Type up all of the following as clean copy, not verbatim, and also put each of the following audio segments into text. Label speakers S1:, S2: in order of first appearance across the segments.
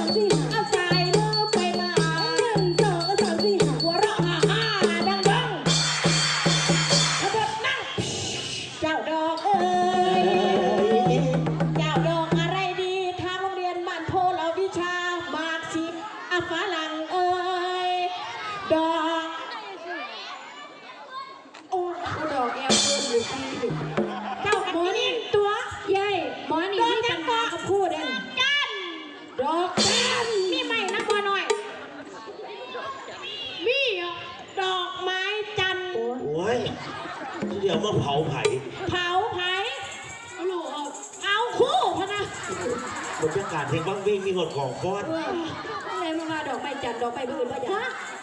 S1: สี่เอาใจมือไปมา1 2 3 4หัวเราะฮ่าดังขบวนนั่งเจ้าดอกเอ้ยเจ้าดอกอะไรดีทางโรงเรียนบ้านโพเราวิชามากสิฝรั่งเอ้ยดอกโอ้ดอกแอลเพิ่มอยู่ที่เจ้าหมอนี่ตัวใหญ่หมอนี่ที่ปัญหาเขาพูดเองจันดอกจันมีไหมนะบัวหน่อยมีดอกไม้จันโ
S2: อ้ยเดี๋ยวมาเผาไผ่
S1: เอาคู่พนะ
S2: บรรยากาศเพลงบ้างวิ่งมีหดของก้อน
S1: อะไรมาดอกไม้จันดอกไม้บื้นมาอย่าง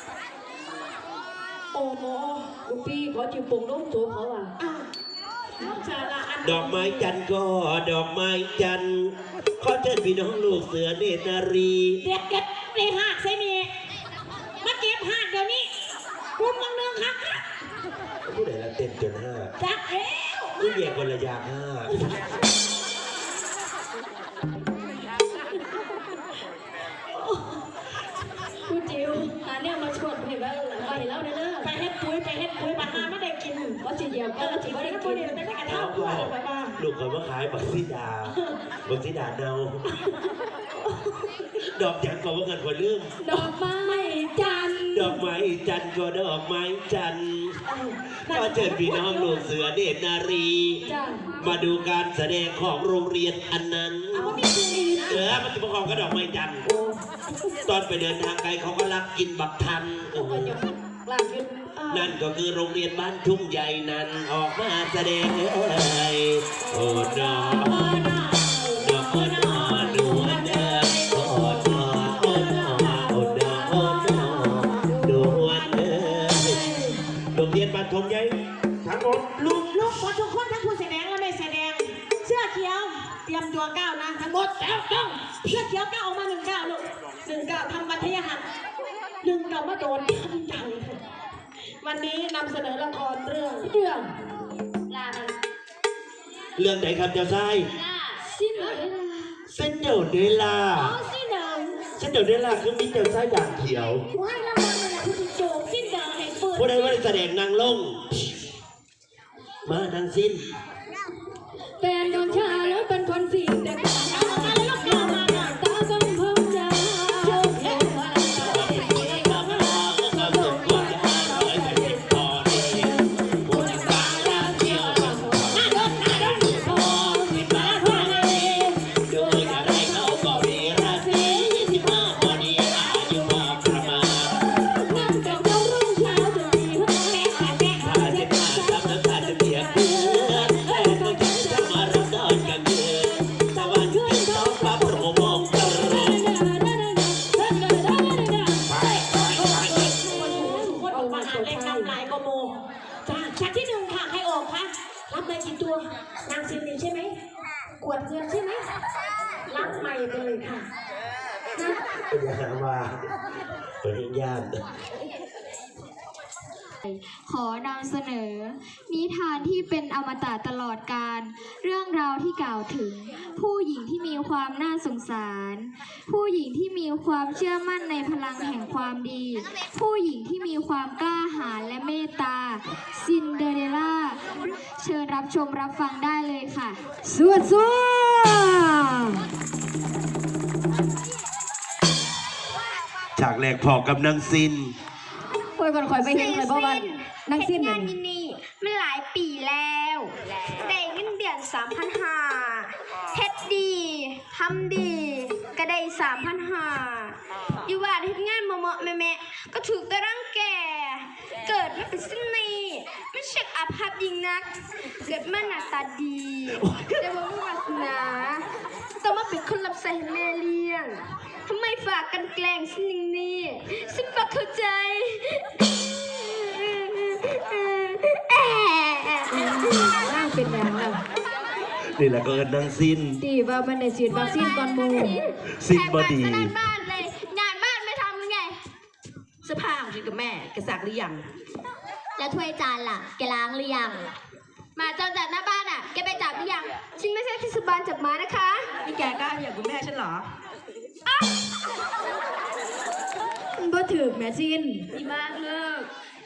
S1: โอ้โหลูกพี่ขอจิ๋วปงล้มโถเขาอ่ะ
S2: ดอกไม้จันก็ดอกไม้จันขอเชิญพี่น้องลูกเสือเนตรนารี
S1: เด็กเก็บในหากใช่ไหมมาเก็บหากเดี๋ยวนี้คุณมองเนืองครับ
S2: ผู้ใดละเต้นจน5
S1: จักเอว
S2: ผู้ใหญ่คนละอย่าง5
S1: คุณจิ๋วเนี่ยมาชวนเห็นว่าไปแล้วเด้อไปเฮ็ดปุ้ยปลาหาไม่ได้กินก็จีเดียวก็จีไม่ได้กินแต่ไม่กระทั่งไปบ้าง
S2: ลูกเขามาขายบักซีดาเนาดอกจันก็ว่าเงินคนลืม
S1: ดอกไม้จัน
S2: ดอกไม้จันก็ดอกไม้จันก็เชิญพี่น้องลูกเสือเนตรนารีมาดูการแสดงของโรงเรียนอันนั้นมันจะประกอบกับดอกไม้จันตอนไปเดินทางไกลเขาก็รักกินบักทันนั่นก็คือโรงเรียนบ้านทุ่งใหญ่นั้นออกมาแสดงโอ้ดอกดูอันเดิมโอ้ดโรงเรียนบ้านทุ่งใหญ่ทั้งหมด
S1: ลูกพอทุกคนทั้งผู้แสดงและไม่แสดงเสื้อเขียวเตรียมตัวก้าวนะทั้งหมดแล้วต้องเสื้อเขียวก้าวออกมา1 ก้าวลูก1 ก้าวทำวัฒนธรรม1 ก้าวมาโดนจังวันนี้นำเสนอละครเรื่องลา
S2: เรื่องไหนครับเจ้าชาย
S1: ซิน
S2: เดอเรลล่าซินเดอเรลล่าคือมีเจ้าชายด่างเขียว
S1: ว้ายละมันเลยคุณโจมซินเดอให้เปิด
S2: ผู้ใดว่าแสดงนางลงมานางสิ้น
S1: แฟนนอนชาแล้วเป็นคนสีแต่ตากำพังจะโยกเอวชั้นที่1ค่ะใครออกคะรับไปกี่ตัวนางซินนี่ใช่ไหมกวดเงินใช่ไหมรับใหม่ไปเลยค่ะ
S2: เป็นยังไงมาเป็นญาติ
S3: ขอนำเสนอนิทานที่เป็นอมตะตลอดกาลเรื่องราวที่กล่าวถึงผู้หญิงที่มีความน่าสงสารผู้หญิงที่มีความเชื่อมั่นในพลังแห่งความดีผู้หญิงที่มีความกล้าหาญและเมตตาซินเดอเรลล่าเชิญรับชมรับฟังได้เลยค่ะ
S1: สวด
S2: ฉากแรกพอกับนางซิน
S1: คอยไปเห็นเลยเพราะว่านั่งสิ้น
S3: งานนี่มันหลายปีแล้วได้เงินเดือน3,500เฮ็ดดีทำดีก็ได้3,500อยู่ว่าเฮ็ดงานเหมาะแม่ก็ถูกตะรังแก่เกิดมาเป็นสิ้นนี้ไม่เช็คอาภัพยิ่งนักเกิดมาหน้าตาดีแต่ว่าไม่วาสนาต้องมาเป็นคนรับใช้แม่เลี้ยงทำไมฝากกันแกล้งฉันอย่างนี้ฉันฝากเข้าใจ
S1: ร่างเป็นอย่างไร
S2: นี่แหละก็เอิญนางซิน
S1: ดีว่ามันได้ฉีดวัคซีนก่อนมู
S2: ซินบอดี
S3: งานบ้านเลยงานบ้านไม่ทำไง
S1: เสื้อผ้าของฉันกับแม่แกซักหรือยัง
S3: แล้วถ้วยจานล่ะแกล้างหรือยังมาจอจัดหน้าบ้านอ่ะแกไปจับหรือยังฉันไม่ใช่ที่สุบานจับมานะคะ
S1: นี่แกกล้าอย่างคุณแม่ฉันเหรอถึกแม่ซิน
S3: ดีมากเลิก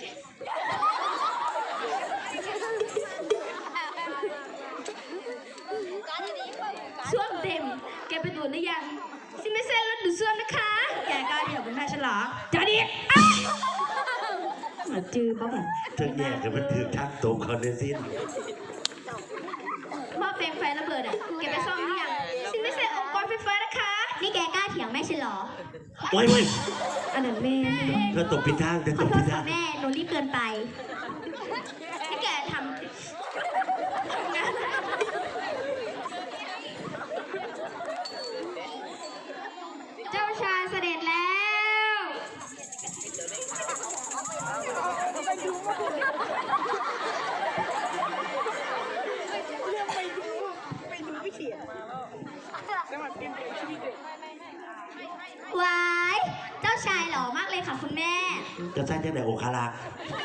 S3: ส้วมเต็มแกไปดูดหรือยังซิไม่เส้นรถดูดส้วมนะคะ
S1: แกกล้าเถียงเป็นแม่ฉันเหรอจะดิมาจื้อเขาแบบ
S2: เธอแย่กันมันถือทักตรงเขาในสิ้น
S3: หม้อแปลงไฟระเบิดอ่ะแกไปซ่อมหรือยังซิไม่เส้นองค์กรไฟฟ้านะคะนี่แกกล้าเถียงแม่ฉันเหรอ
S2: โอ้ยเว้ย
S1: อันนั้นแม่
S2: เธอตกผิดทางเธอ
S3: ข
S2: ต
S3: อก โท
S2: ผิ
S3: ษ
S2: ดทา
S3: ค่ะ
S2: ง
S3: แม่หนูรีบเกินไปให้แกทำงานเจ้าชายเสด็จแล้ว ว้าย เจ้าชายหล่อมากเลยค่ะคุณแม่
S2: จะใช่จังไหนโอคารัก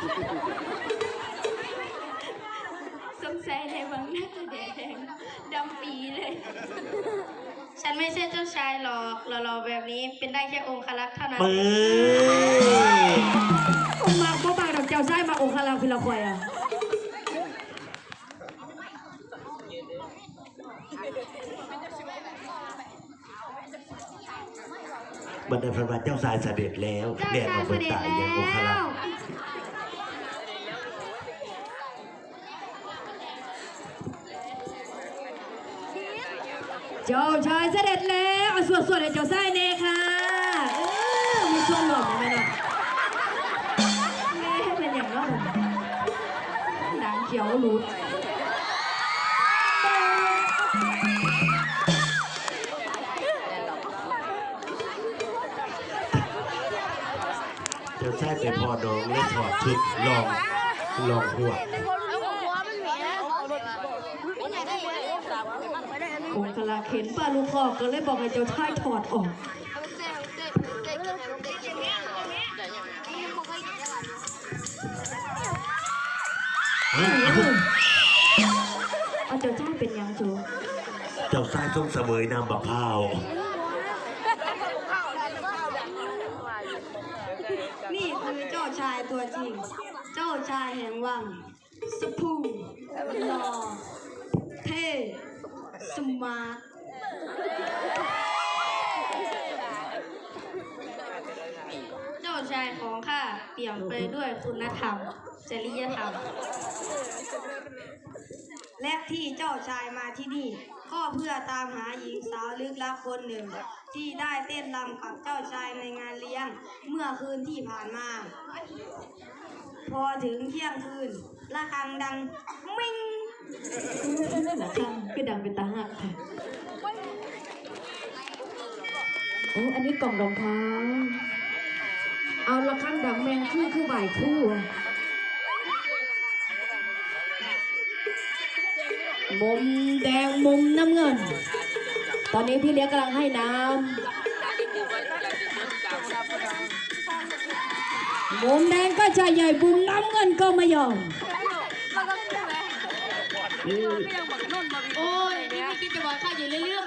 S3: สงสัยในวังหน้าแดงดำปีเลย ฉันไม่ใช่เจ้าชายหรอกหล่อๆแบบนี้เป็นได้แค่องครักษ์เท่านั้น
S2: เปิด
S1: องมาก็บางดอกเจ้าไส้มาองคาราพิลาคอยอ่ะ
S2: บรรดาพระบาทเจ้าสายเสด็จแล้ว
S3: เจ้า
S2: เรียน
S3: ชา
S2: เอา
S3: ย
S2: ไป
S3: เสด็จ
S2: ตาย
S3: แล้
S2: อย่างโอคารั
S3: ว
S2: ก
S1: เจ้าชายเสด็จแล้วเอาสวดๆเลยเจ้าไส้เน่ค่ะมีส่วนหลอกไหมล่ะแม่เป็นอย่างนั้นดังเขียวหลุด
S2: เจ้าชายไปพอน้องและถอดชุดลองหัว
S1: องคาราเข็นป้าลูกคอก็เลยบอกให้เจ้าชายถอดออกเอาเจ้าชายเป็นยังจู
S2: เจ้าชายทรงเสวยนามบักพร้าว
S3: นี่คือเจ้าชายตัวจริง เจ้าชายแห่งวังสพูหล่อเท่สมาร์ทเจ้าชายของข้าเปี่ยมไปด้วยคุณธรรม จริยธรรม และที่เจ้าชายมาที่นี่ ก็เพื่อตามหาหญิงสาวลึกลับคนหนึ่ง ที่ได้เต้นรำกับเจ้าชายในงานเลี้ยงเมื่อคืนที่ผ่านมา พอถึงเที่ยงคืนระฆังดังมิ่ง
S1: นะคะคือดังเป็นตาหักค่ะโอ้อันนี้กล่องรองเท้าเอาละข้างดังแมงคือบ่ายคู่อะมุมแดงมุมน้ำเงิน ตอนนี้พี่เลี้ยงกำลังให้น้ำมุมแดงก็จะใหญ่มุมน้ำเงินก็ไม่ยอม
S3: โอ้ยนี่ไม่คิดจะบอกข้าอยู่เรื่อง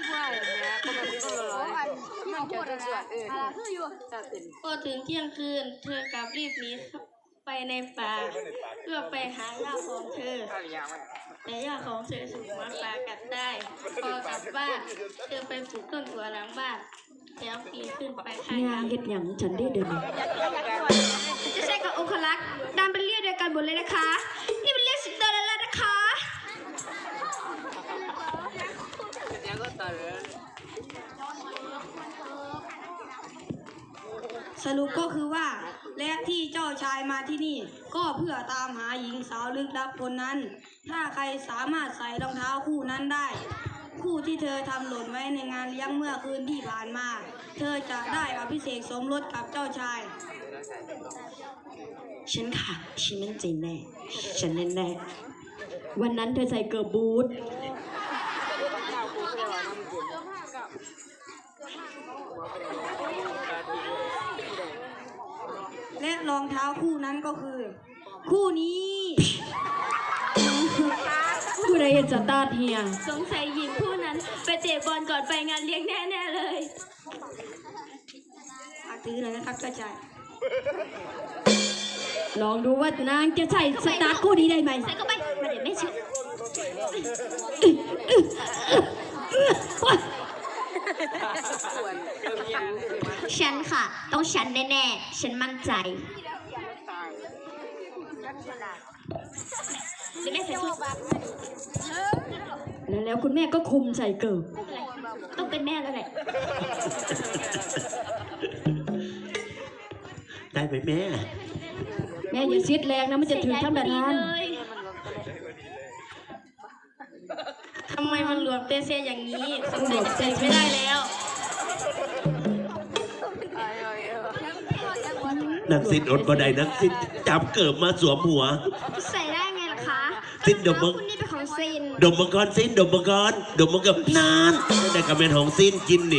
S3: พอถึงเที่ยงคืน เธอกลับรีบหนีไปในป่าเพื่อไปหาย่าของเธอ แต่ย่าของเธอถูกหมาป่ากัดได้พอกลับบ้านเธอไปปลูกต้นถั่วหลังบ้านแล้วปีนขึ้นไปข้าง
S1: งานเฮ็ดหยังฉันได้เดิน
S3: จะใช่กับองคลักษ์ดำเป็นเรียกเดียวกันหมดเลยนะคะ นี่เป็นเรียกสิงโตแล้วนะคะ สรุปก็คือว่าและที่เจ้าชายมาที่นี่ ก็เพื่อตามหาหญิงสาวลึกลับคนนั้น ถ้าใครสามารถใส่รองเท้าคู่นั้นได้ คู่ที่เธอทำหล่นไว้ในงานเลี้ยงเมื่อคืนที่ผ่านมา เธอจะได้อภิเษกสมรสกับเจ้าชาย
S1: ฉันค่ะฉันมั่นใจแน่ฉันแน่วันนั้นเธอใส่เกิร์ลบูท
S3: และรองเท้าคู่นั้นก็คือ คู่นี้
S1: ผู้ใดเห็นสตาร์ทเฮีย
S3: สงสัยหญิงคู่นั้นไปเตะบอลก่อนไปงานเลี้ยงแน่ๆเลยฝากถือหน่อยนะครับเจ้าชาย
S1: ลองดูว่านางจะใส่สตาร์ทคู่นี้ได้ไหม
S3: ใส่เข้าไปมาเดี๋ยวแม่ช่วยฉันค่ะ ต้องฉันแน่ๆ ฉันมั่นใจเดี๋ยวแม่ใส่ชุด
S1: แล้วคุณแม่ก็คุมใส่เกิบ
S3: ต้องเป็นแม่แล้วแหละ
S2: ได้ไหมแม่
S1: แม่อย่าซิดแรงนะมันจะถึงท่านประธาน
S3: ทำไมมันหลวมเตเซอย่างนี้สงสัยจะใส่ไม่ได้แล้ว
S2: นักสิ้นอดบ่ได้นักสิ้นจับเกิบมาสวมหัว
S3: ใส่ได้ไงล่ะคะ
S2: สิ้นดมมึง
S3: คุณนี่เป็นของซิน
S2: ดมมังกรสิ้นดมมังกรดมมังกรนานแต่กระเมนของสิ้นกินนี่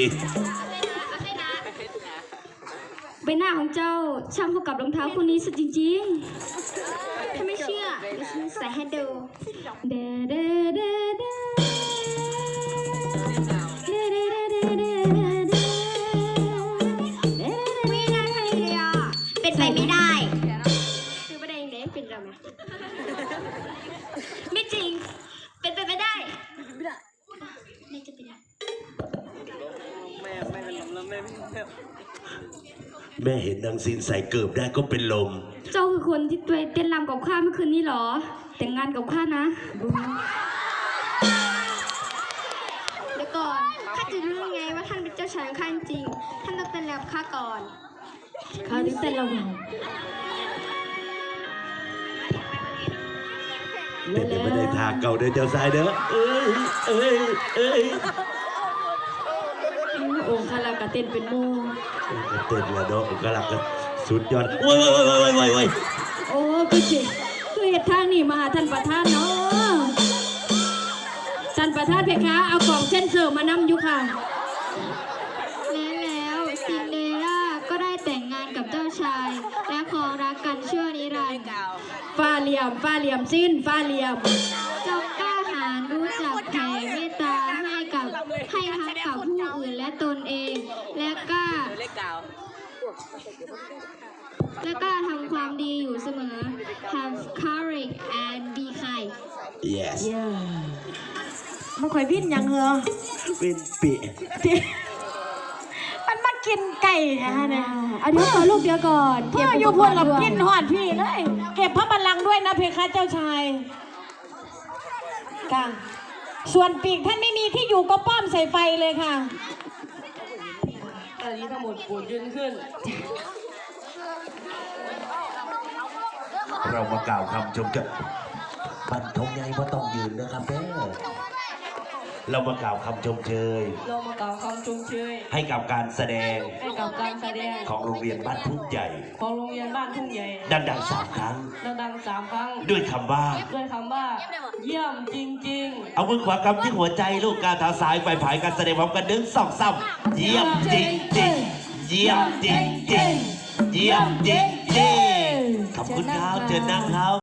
S1: ใบหน้าของเจ้าช่างเข้ากับรองเท้าคู่นี้สุดจริง
S3: ถ้าไม่เชื่อเดี๋ยวฉันใส่ให้ดู
S1: ๆเด้เด้เด้เด้เด้เด้เด้เด้เด้เด้
S3: ไม่ได้เลยอ่ะเป็นไปไม่ได้คือประเด็นเด็กเป็นเราไหมไม่จริง เป็นไปไม่ได้ไม่จะเป็นไร
S2: แม่เห็นนางสิ้นใส่เกิบได้ก็เป็นลม
S1: เจ้าคือคนที่เต้นรำกับข้าเมื่อคืนนี้เหรอ แต่งงานกับข้านะ
S3: เดี๋ยวก่อนข้าจะรู้ไงว่าท่านเป็นเจ้าชายของข้าจริงๆท่านต้องเป็นแล้วข้าก่อน
S1: ข้าถึงเต้นระวัง
S2: แต่เดี๋ยวไม่ได้ทางเก่าเดินเจ้าสายเด้อเอ้ยเอ้ยเอ้ย
S1: องค์คาราก็เต้นเป็นโม
S2: เต้นแล้วเนาะกำลังกันสุดยอดโว้ยโว้ยโว้ยโว้ยโว้ยโว้ย
S1: โอ้คือสิคือเหตุทางนี่มาหาท่านประธานเนาะท่านประธานเพคะเอาของเส้นเสริมมานำอยู่ค่ะ
S3: แล้วซินเดอเรลล่าก็ได้แต่งงานกับเจ้าชาย และครองรักกันชั่วนิรันดร์
S1: ฟ้าเหลี่ยมสิ้นฟ้าเหลี่ยม
S3: จงกล้าหาญรู้จักแผ่เมตตาให้ทั้งกับผู้อื่นและตนเอง และกล้าทำความดีอยู่เสมอ Have courage and be kind
S2: yes
S1: มันข่อยพิ้นยังเหรอ
S2: เป็นปี
S1: มันมากินไก่นะเนี่ยเอาเดี๋ยวก่อนลูกเดี๋ยวก่อนพ่ออยู่พวกเรากินหอดพี่เลยเก็บพระบัลลังก์ด้วยนะเพคะเจ้าชายค่ะส่วนปีกท่านไม่มีที่อยู่ก็ป้อมใส่ไฟเลยค่ะ
S4: ตอนนี้ทั้งหมดปวดยืนขึ้น
S2: เรามากล่าวคำชมกับปันทงใหญ่ว่าต้องยืนนะครับแม่เรามากล่าวคำชมเชย
S4: เรามากล่าวคำชมเชย
S2: ให้กับการแสดง
S4: ให้กับการแสดง
S2: ของโรงเรียนบ้านทุ่งใหญ่
S4: ของโรงเรียนบ้านทุ่งใหญ่
S2: ดังๆ3 ครั้ง
S4: ดังๆ3 ครั้ง
S2: ด้วยคำว่า
S4: ด้วยคำว่า เยี่ยมจริง
S2: เอามือขวากำที่หัวใจลูกกาเท้าซ้ายไปผายการแสดงพร้อมกัน1 2 3เยี่ยมจริงจริงเยี่ยมจริงจริงเยี่ยมจริงจริงขอบคุณครับเชิญนั่งครับ